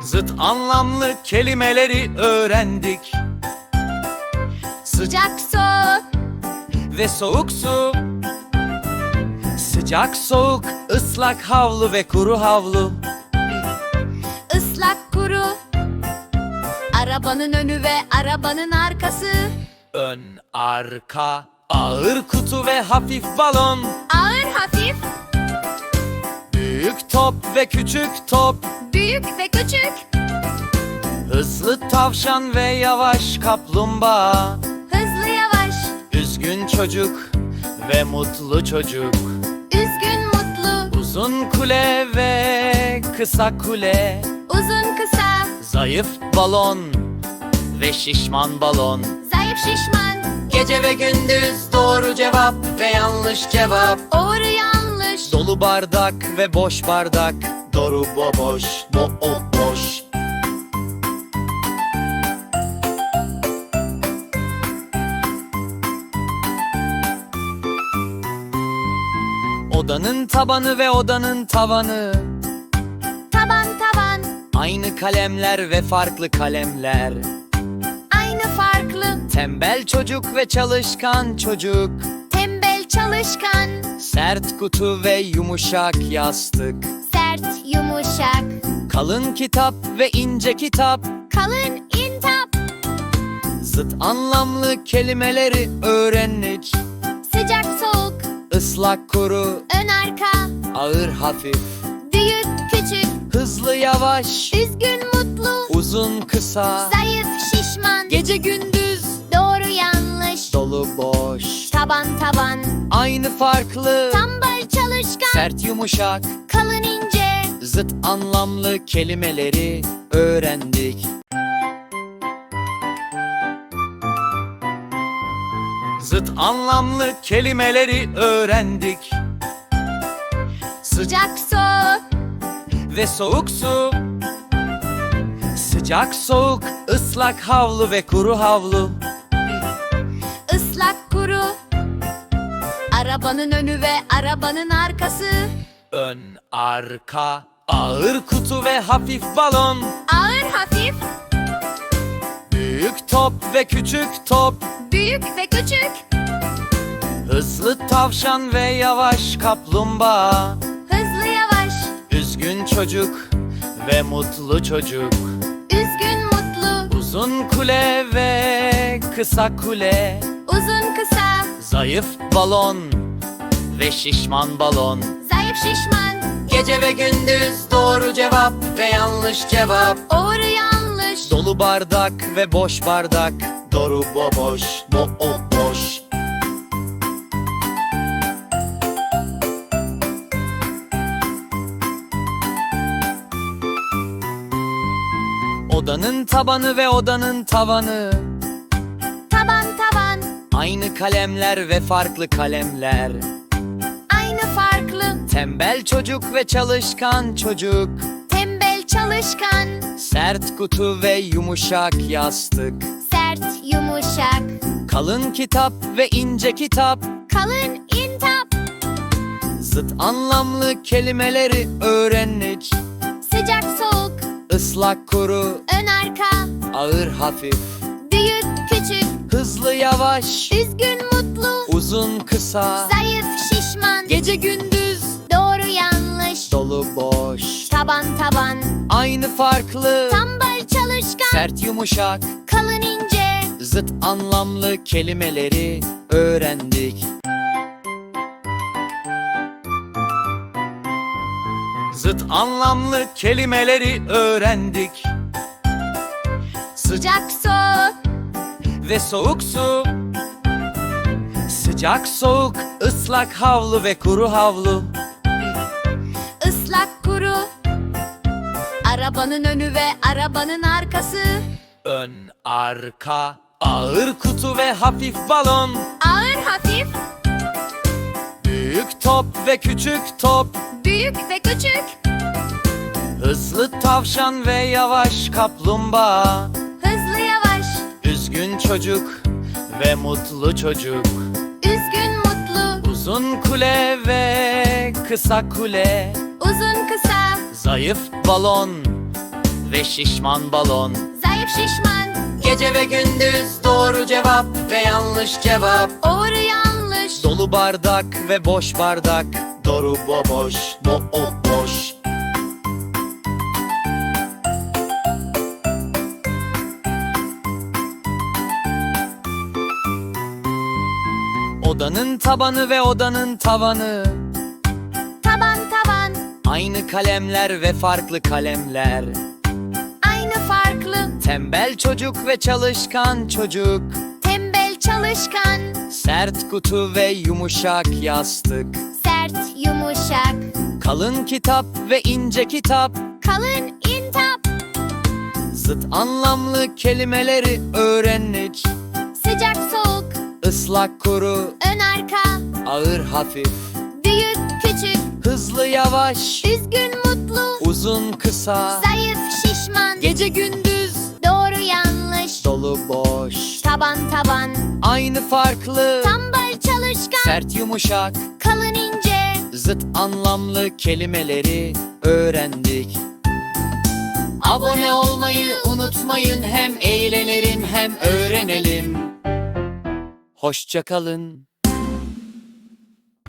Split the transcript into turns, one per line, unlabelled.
Zıt anlamlı kelimeleri öğrendik.
Sıcak su,
Ve soğuk su. Sıcak soğuk, ıslak havlu ve kuru havlu.
ıslak kuru. Arabanın önü ve arabanın arkası.
Ön, arka, ağır kutu ve hafif balon.
Ağır hafif,
Büyük top ve küçük top.
büyük ve küçük.
Hızlı tavşan ve yavaş kaplumbağa.
Hızlı yavaş,
Üzgün çocuk ve mutlu çocuk.
üzgün mutlu.
Uzun kule ve kısa kule.
Uzun kısa,
Zayıf balon ve şişman balon.
zayıf şişman.
Gece ve gündüz, doğru cevap ve yanlış cevap.
Doğru yanlış.
Dolu bardak ve boş bardak. Doğru boş, boş. Odanın tabanı ve odanın tavanı.
Taban taban,
Aynı kalemler ve farklı kalemler.
aynı farklı.
Tembel çocuk ve çalışkan çocuk.
Tembel çalışkan,
Sert kutu ve yumuşak yastık.
sert yumuşak.
Kalın kitap ve ince kitap.
Kalın intap,
Zıt anlamlı kelimeleri öğrendik.
sıcak soğuk.
Islak kuru,
Ön arka,
ağır hafif.
büyük küçük.
Hızlı yavaş,
Üzgün mutlu,
uzun kısa.
zayıf şişman.
Gece gündüz,
Doğru yanlış.
dolu boş.
Taban taban,
Aynı farklı,
tembel çalışkan.
sert yumuşak.
Kalın ince,
Zıt anlamlı kelimeleri öğrendik. Zıt anlamlı kelimeleri öğrendik.
sıcak su,
Ve soğuk su. Sıcak soğuk, ıslak havlu ve kuru havlu.
ıslak kuru. Arabanın önü ve arabanın arkası.
Ön, arka, ağır kutu ve hafif balon.
Ağır hafif,
Büyük top ve küçük top.
büyük ve küçük.
Hızlı tavşan ve yavaş kaplumbağa.
Hızlı yavaş,
Üzgün çocuk ve mutlu çocuk.
üzgün mutlu.
Uzun kule ve kısa kule.
Uzun kısa,
Zayıf balon ve şişman balon.
zayıf şişman.
Gece ve gündüz, doğru cevap ve yanlış cevap.
Doğru yanlış.
Dolu bardak ve boş bardak. Doğru boş, boş. Odanın tabanı ve odanın tavanı.
Taban taban,
Aynı kalemler ve farklı kalemler.
aynı farklı.
Tembel çocuk ve çalışkan çocuk.
Tembel çalışkan,
Sert kutu ve yumuşak yastık.
sert yumuşak.
Kalın kitap ve ince kitap.
Kalın intap,
Zıt anlamlı kelimeleri öğrendik.
sıcak soğuk.
Islak kuru,
Ön arka,
ağır hafif.
büyük küçük.
Hızlı yavaş,
Üzgün mutlu,
uzun kısa.
zayıf şişman.
Gece gündüz,
Doğru yanlış.
dolu boş.
Taban taban,
Aynı farklı,
tembel çalışkan.
sert yumuşak.
Kalın ince,
Zıt anlamlı kelimeleri öğrendik. Zıt anlamlı kelimeleri öğrendik.
sıcak su,
Ve soğuk su. Sıcak soğuk, ıslak havlu ve kuru havlu.
ıslak kuru. Arabanın önü ve arabanın arkası.
Ön, arka, ağır kutu ve hafif balon.
Ağır hafif,
Büyük top ve küçük top.
büyük ve küçük.
Hızlı tavşan ve yavaş kaplumbağa.
Hızlı yavaş,
Üzgün çocuk ve mutlu çocuk.
üzgün mutlu.
Uzun kule ve kısa kule.
Uzun kısa,
Zayıf balon ve şişman balon.
Zayıf şişman.
Gece ve gündüz doğru cevap ve yanlış cevap.
Doğru yanlış.
Dolu bardak ve boş bardak. Doğru boş, boş. Odanın tabanı ve odanın tavanı.
Taban taban.
Aynı kalemler ve farklı kalemler.
Aynı farklı.
Tembel çocuk ve çalışkan çocuk.
Tembel çalışkan.
Sert kutu ve yumuşak yastık.
Sert yumuşak.
Kalın kitap ve ince kitap.
Kalın intap.
Zıt anlamlı kelimeleri öğrendik.
Sıcak soğuk.
Islak kuru,
Ön arka.
ağır hafif.
Büyük küçük.
Hızlı yavaş,
Üzgün mutlu.
uzun kısa.
Zayıf şişman.
Gece gündüz,
Doğru yanlış.
dolu boş.
Taban taban.
Aynı farklı,
Tembel çalışkan.
sert yumuşak.
Kalın ince.
Zıt anlamlı kelimeleri öğrendik. Abone olmayı unutmayın, hem eğlenelim hem öğrenelim. Hoşça kalın.